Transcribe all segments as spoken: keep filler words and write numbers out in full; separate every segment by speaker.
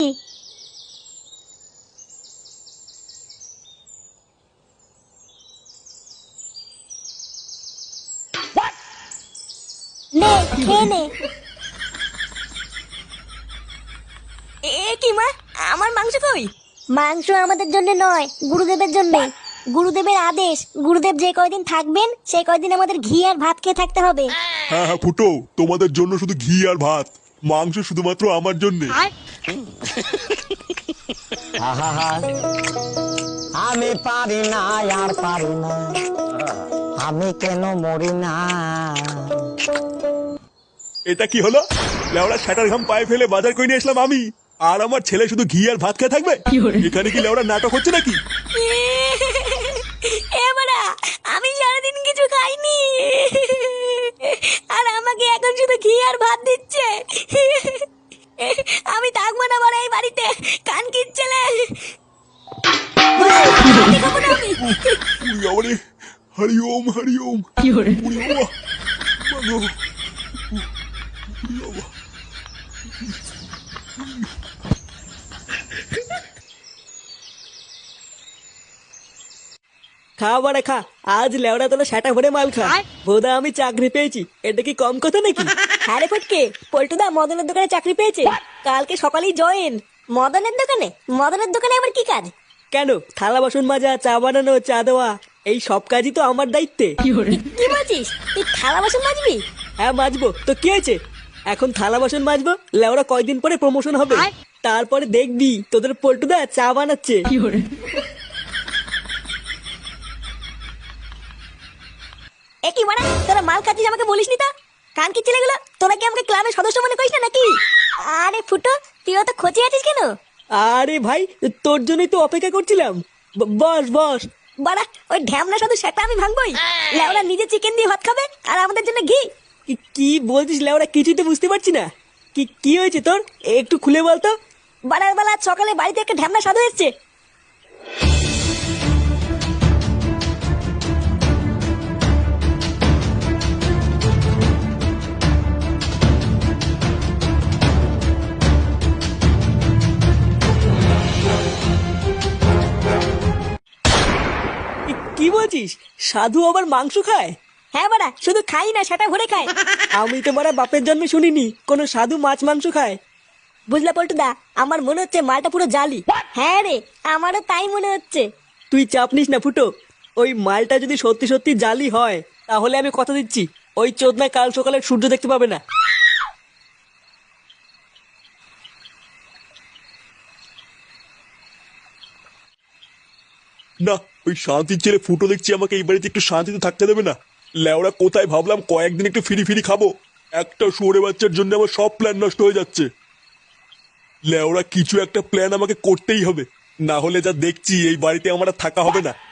Speaker 1: নে খেয়ে নে। এ কি মা, আমার মাংস কই? মাংস আমাদের জন্য নয়, গুরুদেবের জন্য। গুরুদেবের আদেশ, গুরুদেব যে কয়দিন থাকবেন সেই কয়দিন আমাদের ঘি আর ভাত খেয়ে থাকতে হবে।
Speaker 2: হ্যাঁ হ্যাঁ ফুটো, তোমাদের জন্য শুধু ঘি আর ভাত, মাংস শুধুমাত্র আমার জন্য।
Speaker 3: আমি পারি না আর পারি না, আমি কেন মরি না।
Speaker 2: এটা কি হলো? লেওড়া শাটার ঘাম পায়ে ফেলে বাজার করে নিয়ে আসলাম আমি, আর আমার ছেলে শুধু ঘি আর ভাত খেয়ে থাকবে? এখানে কি লেওড়া নাটক হচ্ছে নাকি?
Speaker 1: এবারে আমি সারাদিন কিছু খাইনি, আর আমাকে এখন শুধু ঘি আর ভাত দিচ্ছে। আমি থাকবো না বড় এই বাড়িতে, কান কিচ্ছেলে।
Speaker 2: হরি ওম হরি ওম।
Speaker 4: খা বাড়া খা, আজ লেওড়া তোলা সেটা ভরে মাল খা। বোধা আমি চাকরি পেয়েছি, এটা কি কম কথা নাকি?
Speaker 1: হ্যাঁ রে ফটকে, পল্টুদা মদনের দোকানে চাকরি পেয়েছে, কালকে সকালেই জয়েন। মদনের দোকানে? মদনের দোকানে আবার কি কাজ?
Speaker 4: কেন, থালা বাসন মাজা, চা বানানো, চা দেওয়া, এই সব কাজই তো আমার দায়িত্বে।
Speaker 1: কি বলছিস? তুই থালা বাসন মাজবি?
Speaker 4: হ্যাঁ মাজবো, তো কি হয়েছে? এখন থালা বাসন মাজবো, লেওড়া কয়দিন পরে প্রমোশন হবে, তারপরে দেখবি তোদের পল্টুদা চা বানাচ্ছে।
Speaker 1: একই মানে তোরা মাল খাচ্ছিস আমাকে বলিসনি তো? কান কি ছেলেগুলো, তোরা কি আমাকে ক্লাবের সদস্য মনে করিস না নাকি? আরে ফুটো, তুই তো খোঁচে আছিস কেন?
Speaker 4: আরে ভাই, তোর জন্যই তো অপেক্ষা করছিলাম। ব- বস বস।
Speaker 1: বাড়া, ওই ঢ্যামনা শুধু সেটা আমি ভাঙবই। লেওরা নিজে চিকেন দিয়ে ভাত খাবে আর আমাদের জন্য ঘি।
Speaker 4: কি- কি বলছিস লেওড়া, কিছুই তো বুঝতে পারছি না। কি কি হয়েছে তোর, একটু খুলে বলতো।
Speaker 1: বাড়ার বেলা আজ সকালে বাড়িতে একটা ঢ্যামনা সাধু এসছে।
Speaker 4: কি- কি বলছিস, সাধু আবার মাংস খায়?
Speaker 1: হ্যাঁ বাড়া, শুধু খাই না, সেটা ভরে খায়।
Speaker 4: আমি তো মারা বাপের জন্মে শুনিনি কোনো সাধু মাছ মাংস খায়।
Speaker 1: বুঝলা পল্টুদা, আমার মনে হচ্ছে মালটা পুরো জালি। হ্যাঁ রে, আমারও তাই মনে হচ্ছে।
Speaker 4: তুই চাপ নিস না ফুটো, ওই মালটা যদি সত্যি সত্যি জালি হয় তাহলে আমি কথা দিচ্ছি ওই চোদনা কাল সকালে সূর্য দেখতে পাবে না।
Speaker 2: না, ওই শান্তির ছেলে ফুটো দেখছি আমাকে এই বাড়িতে একটু শান্তিতে থাকতে দেবে না। লেওড়া কোথায় ভাবলাম কয়েকদিন একটু ফিরি ফিরি খাবো, একটা শুয়োরে বাচ্চার জন্য আমার সব প্ল্যান নষ্ট হয়ে যাচ্ছে। লেওড়া কিছু একটা প্ল্যান আমাকে করতেই হবে, না হলে যা দেখছি এই বাড়িতে আমার আর থাকা হবে না।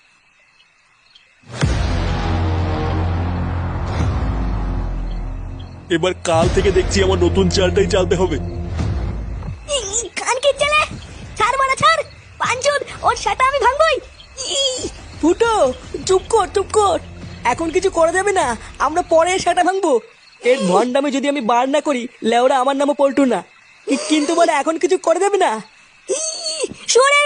Speaker 2: এবার কাল থেকে দেখছি আমার নতুন চালটাই চালতে হবে।
Speaker 1: কান কি ছেলে, ছাড় বাড়া ছাড়, পাঁচজন ওর সেটা আমি ভাঙবই।
Speaker 4: ফুটো চুপ কর চুপ কর, এখন কিছু করা যাবে না, আমরা পরে সেটা ভাঙবো। এর ভণ্ডামে যদি আমি বার না করি লেওরা আমার নামও পল্টু না, কি- কিন্তু বলে এখন কিছু করা যাবে না।
Speaker 1: শুয়োরের